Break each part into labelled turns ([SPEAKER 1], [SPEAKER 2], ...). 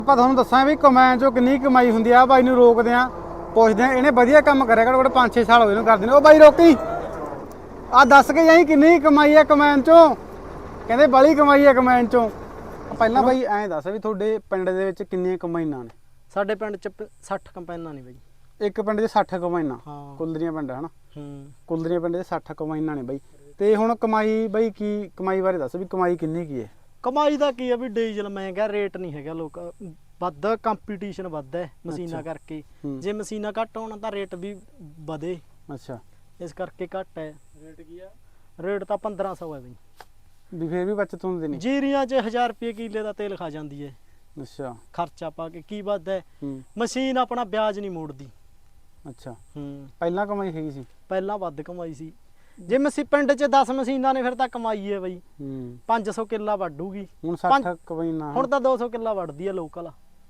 [SPEAKER 1] ਆਪਾਂ ਤੁਹਾਨੂੰ ਦੱਸਾਂ ਵੀ ਕਮਾਈਨ ਚੋਂ ਕਿੰਨੀ ਕਮਾਈ ਹੁੰਦੀ ਆ। ਬਾਈ ਨੂੰ ਰੋਕਦੇ ਆ, ਪੁੱਛਦੇ ਆ, ਇਹਨੇ ਵਧੀਆ ਕੰਮ ਕਰਿਆ ਘੱਟੋ ਘੱਟ 5-6 ਸਾਲ ਹੋਏ ਇਹਨੂੰ ਕਰਦੇ ਨੇ। ਉਹ ਬਾਈ ਰੋਕੀ ਆ ਦੱਸ ਕੇ ਜਾਈ ਕਿੰਨੀ ਕਮਾਈ ਆ ਕਮਾਈਨ ਚੋਂ। ਕਹਿੰਦੇ ਬੜੀ ਕਮਾਈ ਆ ਕਮਾਈਨ ਚੋਂ। ਪਹਿਲਾਂ ਬਾਈ ਐਂ ਦੱਸ ਵੀ ਤੁਹਾਡੇ ਪਿੰਡ ਦੇ ਵਿੱਚ ਕਿੰਨੀਆਂ ਕਮਾਈਨਾਂ ਨੇ?
[SPEAKER 2] ਸਾਡੇ ਪਿੰਡ ਚ 60 ਕੰਪਾਈਨਾਂ ਨੇ ਬਾਈ।
[SPEAKER 1] ਇੱਕ ਪਿੰਡ 'ਚ 60 ਕਮਾਈਨਾਂ?
[SPEAKER 2] ਹਾਂ,
[SPEAKER 1] ਕੁਲਦਰੀਆਂ ਪਿੰਡ ਹਨਾ। ਕੁਲਦਰੀਆਂ ਪਿੰਡ 'ਚ 60 ਕਮਾਈਨਾਂ ਨੇ ਬਾਈ। ਤੇ ਹੁਣ ਕਮਾਈ ਬਾਈ ਕੀ ਕਮਾਈ ਬਾਰੇ ਦੱਸ ਵੀ ਕਮਾਈ ਕਿੰਨੀ ਕੀ ਹੈ?
[SPEAKER 2] ਕਮਾਈ ਦਾ ਕੀ ਆ ਵੀ ਡੀਜ਼ਲ ਮਹਿੰਗਾ, ਰੇਟ ਨਹੀਂ ਹੈਗਾ, ਲੋਕ ਵੱਧ ਕੰਪੀਟੀਸ਼ਨ ਵੱਧ ਹੈ ਮਸ਼ੀਨਾਂ ਕਰਕੇ। ਜੇ ਮਸ਼ੀਨਾਂ ਘੱਟ ਹੋਣ ਤਾਂ ਰੇਟ ਵੀ ਵਧੇ।
[SPEAKER 1] ਅੱਛਾ,
[SPEAKER 2] ਇਸ ਕਰਕੇ ਘੱਟ ਹੈ। ਰੇਟ ਕੀ ਆ? ਰੇਟ ਤਾਂ 1500 ਹੈ ਬਈ।
[SPEAKER 1] ਵੀ ਫੇਰ ਵੀ ਬਚਤ ਹੁੰਦੀ ਨਹੀਂ?
[SPEAKER 2] ਜੀਰੀਆਂ 'ਚ 1000 ਰੁਪਏ ਕਿੱਲੇ ਦਾ ਤੇਲ ਖਾ ਜਾਂਦੀ ਹੈ।
[SPEAKER 1] ਅੱਛਾ,
[SPEAKER 2] ਖਰਚਾ ਪਾ ਕੇ ਕੀ ਵੱਧਦਾ ਹੈ? ਮਸ਼ੀਨ ਆਪਣਾ ਵਿਆਜ ਨਹੀਂ ਮੋੜਦੀ।
[SPEAKER 1] ਅੱਛਾ,
[SPEAKER 2] ਪਹਿਲਾਂ
[SPEAKER 1] ਕਮਾਈ ਹੈਗੀ ਸੀ?
[SPEAKER 2] ਪਹਿਲਾਂ ਵੱਧ ਕਮਾਈ ਸੀ। ਜੇ ਪਿੰਡ 'ਚ 10 ਮਸ਼ੀਨਾਂ ਨੇ ਫਿਰ ਤਾਂ ਕਮਾਈ ਹੈ ਬਈ। 500 ਕਿੱਲਾ ਵੱਢੂਗੀ।
[SPEAKER 1] ਹੁਣ 60 ਕਮਾਈਨਾਂ?
[SPEAKER 2] ਹੁਣ ਤਾਂ 200 ਕਿੱਲਾ ਵੱਢਦੀ ਹੈ ਲੋਕਲ।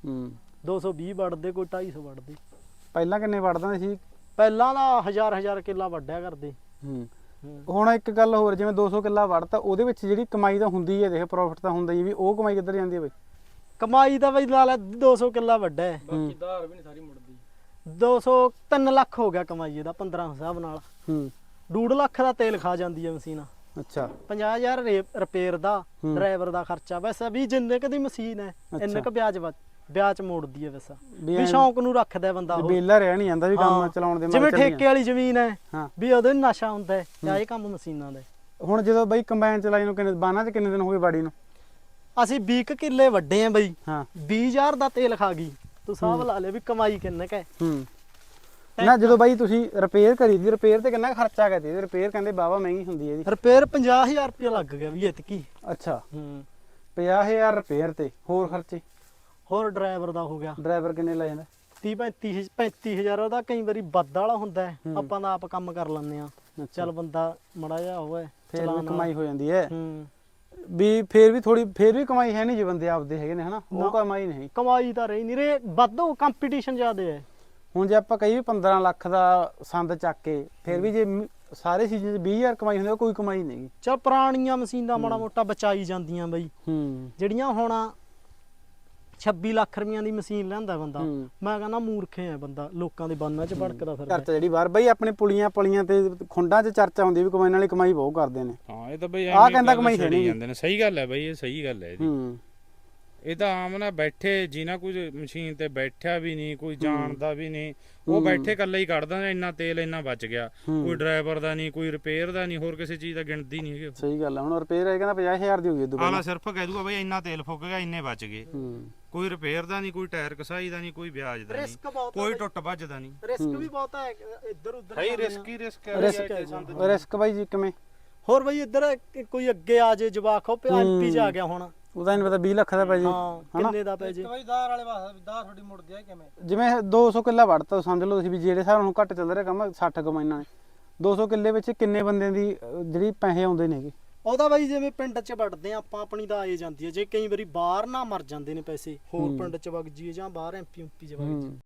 [SPEAKER 2] 220 ਵੱਢਦੇ, ਕੋਈ 250 ਵੱਢਦੇ।
[SPEAKER 1] ਪਹਿਲਾਂ ਕਿੰਨੇ ਵੱਢਦੇ ਸੀ?
[SPEAKER 2] ਪਹਿਲਾਂ ਦਾ 1000 ਕਿੱਲਾ ਵੱਢਿਆ ਕਰਦੇ।
[SPEAKER 1] ਹੁਣ ਇੱਕ ਗੱਲ ਹੋਰ, ਜਿਵੇਂ 200 ਕਿੱਲਾ ਵੱਢਤਾ ਉਹਦੇ ਵਿੱਚ ਜਿਹੜੀ ਕਮਾਈ ਤਾਂ ਹੁੰਦੀ ਹੈ, ਦੇਖ ਪ੍ਰੋਫਿਟ ਤਾਂ ਹੁੰਦਾ ਹੀ, ਵੀ ਉਹ ਕਮਾਈ ਕਿੱਧਰ ਜਾਂਦੀ ਹੈ ਬਈ?
[SPEAKER 2] ਕਮਾਈ ਤਾਂ ਬਈ ਲਾ ਲੈ 200 ਕਿੱਲਾ ਵੱਢਾ ਹੈ,
[SPEAKER 3] ਬਾਕੀ ਧਾਰ ਵੀ ਨਹੀਂ ਸਾਰੀ ਮੁੜਦੀ।
[SPEAKER 2] 3 ਲੱਖ ਹੋ ਗਿਆ ਕਮਾਈ ਇਹਦਾ 15 ਹਿਸਾਬ ਨਾਲ। 2.5 ਲੱਖ ਦਾ ਤੇਲ ਖਾ ਜਾਂਦੀ ਹੈ ਮਸ਼ੀਨ।
[SPEAKER 1] ਅੱਛਾ,
[SPEAKER 2] 50,000 ਰਿਪੇਅਰ ਦਾ, ਡਰਾਈਵਰ ਦਾ ਖਰਚਾ। ਵੈਸੇ ਵੀ ਜਿੰਨੇ ਕਦੀ ਮਸ਼ੀਨ ਹੈ ਇੰਨੇ ਕ ਵਿਆਜ ਮੋੜਦੀ ਹੈ। ਵੈਸਾ ਵੀ ਸ਼ੌਂਕ ਨੂੰ ਰੱਖਦਾ ਬੰਦਾ,
[SPEAKER 1] ਬੇਲਾ ਰਹਿ ਨਹੀਂ ਜਾਂਦਾ ਵੀ ਕੰਮ ਚਲਾਉਣ ਦੇ।
[SPEAKER 2] ਜਿਵੇਂ ਠੇਕੇ ਵਾਲੀ ਜ਼ਮੀਨ ਹੈ ਵੀ ਉਹਦੇ ਨਸ਼ਾ ਹੁੰਦਾ ਹੈ, ਜਾਂ ਇਹ ਕੰਮ ਮਸ਼ੀਨਾਂ ਦਾ।
[SPEAKER 1] ਹੁਣ ਜਦੋਂ ਬਈ ਕੰਬਾਈਨ ਚਲਾਈ ਨੂੰ ਕਿੰਨੇ ਬਾਨਾਂ 'ਚ ਕਿੰਨੇ ਦਿਨ ਹੋ ਗਏ ਬਾੜੀ ਨੂੰ?
[SPEAKER 2] ਅਸੀਂ 20 ਕਿੱਲੇ ਵੱਡੇ ਆ ਬਈ। 20,000 ਦਾ ਤੇਲ ਖਾ ਗਈ। ਤੂੰ ਹਿਸਾਬ ਲਾ ਲੈ ਵੀ ਕਮਾਈ ਕਿੰਨੇ ਕ ਹੈ।
[SPEAKER 1] ਨਾ ਜਦੋਂ ਬਾਈ ਤੁਸੀਂ ਰਿਪੇਅਰ ਕਰੀ ਦੀ, ਰਿਪੇਅਰ ਤੇ ਕਿੰਨਾ ਖਰਚਾ ਕਰਦੀ? ਰਿਪੇਅਰ ਕਹਿੰਦੇ ਬਾਵਾ ਮਹਿੰਗੀ ਹੁੰਦੀ ਹੈ ਇਹਦੀ।
[SPEAKER 2] ਰਿਪੇਅਰ 50,000 ਰੁਪਏ ਲੱਗ ਗਿਆ ਵੀ ਇਤਕੀ।
[SPEAKER 1] ਅੱਛਾ, 50,000 ਰਿਪੇਅਰ ਤੇ ਹੋਰ ਖਰਚੇ?
[SPEAKER 2] ਹੋਰ ਡਰਾਈਵਰ ਦਾ ਹੋ ਗਿਆ।
[SPEAKER 1] ਡਰਾਈਵਰ ਕਿੰਨੇ ਲੈ ਜਾਂਦਾ?
[SPEAKER 2] 35,000 ਉਹਦਾ ਕਈ ਵਾਰੀ ਵੱਧ ਵਾਲਾ ਹੁੰਦਾ ਹੈ। ਆਪਾਂ ਤਾਂ ਆਪ ਕੰਮ ਕਰ ਲੈਂਦੇ ਆ। ਚੱਲ ਬੰਦਾ ਮੜਾ ਜਾ ਹੋਵੇ
[SPEAKER 1] ਫਿਰ ਕਮਾਈ ਹੋ ਜਾਂਦੀ ਹੈ। ਵੀ ਫੇਰ ਵੀ ਕਮਾਈ ਹੈ ਨਹੀਂ ਜੇ ਬੰਦੇ ਆਪਦੇ ਹੈਗੇ ਨੇ ਹਨਾ, ਉਹ ਕਮਾਈ ਨਹੀਂ।
[SPEAKER 2] ਕਮਾਈ ਤਾਂ ਰਹੀ ਨਹੀਂ ਰੇ, ਵੱਧੋ ਕੰਪੀਟੀਸ਼ਨ ਜ਼ਿਆਦਾ ਹੈ।
[SPEAKER 1] ਹੁਣ ਜੇ ਆਪਾਂ ਕਹੀਏ 15 ਲੱਖ ਦਾ ਸੰਦ ਚੱਕ ਕੇ, ਫਿਰ ਵੀ ਜੇ ਸਾਰੇ ਸੀਜ਼ਨ 'ਚ 20,000 ਕਮਾਈ ਹੁੰਦੀ, ਉਹ ਕੋਈ ਕਮਾਈ ਨਹੀਂ।
[SPEAKER 2] ਚਲ ਪੁਰਾਣੀਆਂ ਮਸ਼ੀਨਾਂ ਮਾੜਾ ਮੋਟਾ ਬਚਾਈ ਜਾਂਦੀਆਂ ਬਈ। ਜਿਹੜੀਆਂ ਹੁਣ 26 ਲੱਖ ਰੁਪਈਆਂ ਦੀ ਮਸ਼ੀਨ ਲੈਂਦਾ ਬੰਦਾ, ਮੈਂ ਕਹਿੰਦਾ ਮੂਰਖੇ ਆ ਬੰਦਾ, ਲੋਕਾਂ ਦੇ ਬਾਨਾਂ 'ਚ ਭੜਕਦਾ ਫਿਰਦਾ।
[SPEAKER 1] ਚਰਚਾ ਜਿਹੜੀ ਬਾਹਰ ਬਈ ਆਪਣੇ ਪੁਲੀਆਂ ਪਲੀਆਂ ਤੇ ਖੁੰਡਾਂ 'ਚ ਚਰਚਾ ਹੁੰਦੀ ਵੀ ਕਮਾਈ ਵਾਲੀ ਕਮਾਈ ਬਹੁਤ ਕਰਦੇ ਨੇ।
[SPEAKER 3] ਹਾਂ, ਇਹ ਤਾਂ ਬਈ
[SPEAKER 1] ਆਹ ਕਹਿੰਦਾ ਕਮਾਈ ਹੈ ਨਹੀਂ
[SPEAKER 3] ਜਾਂਦੇ ਨੇ। ਸਹੀ ਗੱਲ ਹੈ ਬਈ, ਇਹ ਸਹੀ ਗੱਲ ਹੈ ਇਹਦੀ। ਇਹ ਤਾਂ ਆਮ ਨਾ ਬੈਠੇ ਜਿਨ੍ਹਾਂ ਕੁਝ ਮਸ਼ੀਨ ਤੇ ਬੈਠਿਆ ਵੀ ਨਹੀਂ, ਕੋਈ ਜਾਣਦਾ ਵੀ ਨਹੀਂ, ਉਹ ਬੈਠੇ ਇਕੱਲਾ ਹੀ ਕੱਢਦਾ ਨੇ। ਇੰਨਾ ਤੇਲ ਇੰਨਾ ਬਚ ਗਿਆ, ਕੋਈ ਡਰਾਈਵਰ ਦਾ ਨਹੀਂ, ਕੋਈ ਰਿਪੇਅਰ ਦਾ ਨਹੀਂ, ਹੋਰ ਕਿਸੇ ਚੀਜ਼ ਦਾ ਗਿਣਦੀ ਨਹੀਂ ਹੈਗੀ।
[SPEAKER 1] ਸਹੀ ਗੱਲ ਹੈ। ਹੁਣ ਰਿਪੇਅਰ ਹੈ ਕਹਿੰਦਾ 50,000 ਦੀ ਹੋ ਗਈ।
[SPEAKER 3] ਆਲਾ ਸਿਰਫ ਕਹਿ ਦੂਗਾ ਬਈ ਇੰਨਾ ਤੇਲ ਫੁੱਕ ਗਿਆ, ਇੰਨੇ ਬਚ ਗਏ। ਕੋਈ ਰਿਪੇਅਰ ਦਾ ਨਹੀਂ, ਕੋਈ ਟਾਇਰ ਕਸਾਈ ਦਾ ਨਹੀਂ, ਕੋਈ ਵਿਆਜ ਦਾ ਨਹੀਂ, ਕੋਈ ਟੁੱਟ ਭੱਜ ਦਾ ਨਹੀਂ।
[SPEAKER 2] ਰਿਸਕ ਵੀ ਬਹੁਤ ਹੈ ਇੱਧਰ ਉੱਧਰ।
[SPEAKER 3] ਹੈ ਰਿਸਕ ਹੀ ਰਿਸਕ ਹੈ।
[SPEAKER 1] ਰਿਸਕ ਬਾਈ ਜੀ ਕਿਵੇਂ?
[SPEAKER 2] ਹੋਰ ਬਈ ਇੱਧਰ ਕੋਈ ਅੱਗੇ ਆ ਜੇ ਜਵਾਕ, ਉਹ ਐਮਪੀ 'ਚ ਆ ਗਿਆ ਹੁਣ,
[SPEAKER 1] ਉਹਦਾ ਨਹੀਂ ਪਤਾ 20 ਲੱਖ ਦਾ ਪੈ ਜੇ,
[SPEAKER 2] ਕਿੰਨੇ ਦਾ ਪੈ ਜੇ।
[SPEAKER 3] ਬਈ ਦਾਰ ਵਾਲੇ ਵਾਸਤੇ ਦਾਰ ਥੋੜੀ ਮੁੜਦੀ ਹੈ ਕਿਵੇਂ?
[SPEAKER 1] ਜਿਵੇਂ 200 ਕਿੱਲਾ ਵੜਤਾ, ਸਮਝ ਲਓ ਤੁਸੀਂ ਵੀ ਜਿਹੜੇ ਹਿਸਾਬ ਨਾਲ ਘੱਟ ਚੱਲ ਰਿਹਾ ਕੰਮ 60 ਕਮਾਈਨਾਂ ਨੇ, 200 ਕਿੱਲੇ ਵਿੱਚ ਕਿੰਨੇ ਬੰਦਿਆਂ ਦੀ ਜਿਹੜੀ ਪੈਸੇ ਆਉਂਦੇ ਨੇਗੇ?
[SPEAKER 2] ਉਹਦਾ ਬਾਈ ਜਿਵੇਂ ਪਿੰਡ 'ਚ ਵੜਦੇ ਆ ਆਪਾਂ, ਆਪਣੀ ਤਾਂ ਆਏ ਜਾਂਦੀ ਹੈ। ਜੇ ਕਈ ਵਾਰੀ ਬਾਹਰ ਨਾ ਮਰ ਜਾਂਦੇ ਨੇ ਪੈਸੇ, ਹੋਰ ਪਿੰਡ 'ਚ ਵਗ ਜੀਏ ਜਾਂ ਬਾਹਰ ਐਮਪੀ ਚ ਵਗ ਜੀਏ।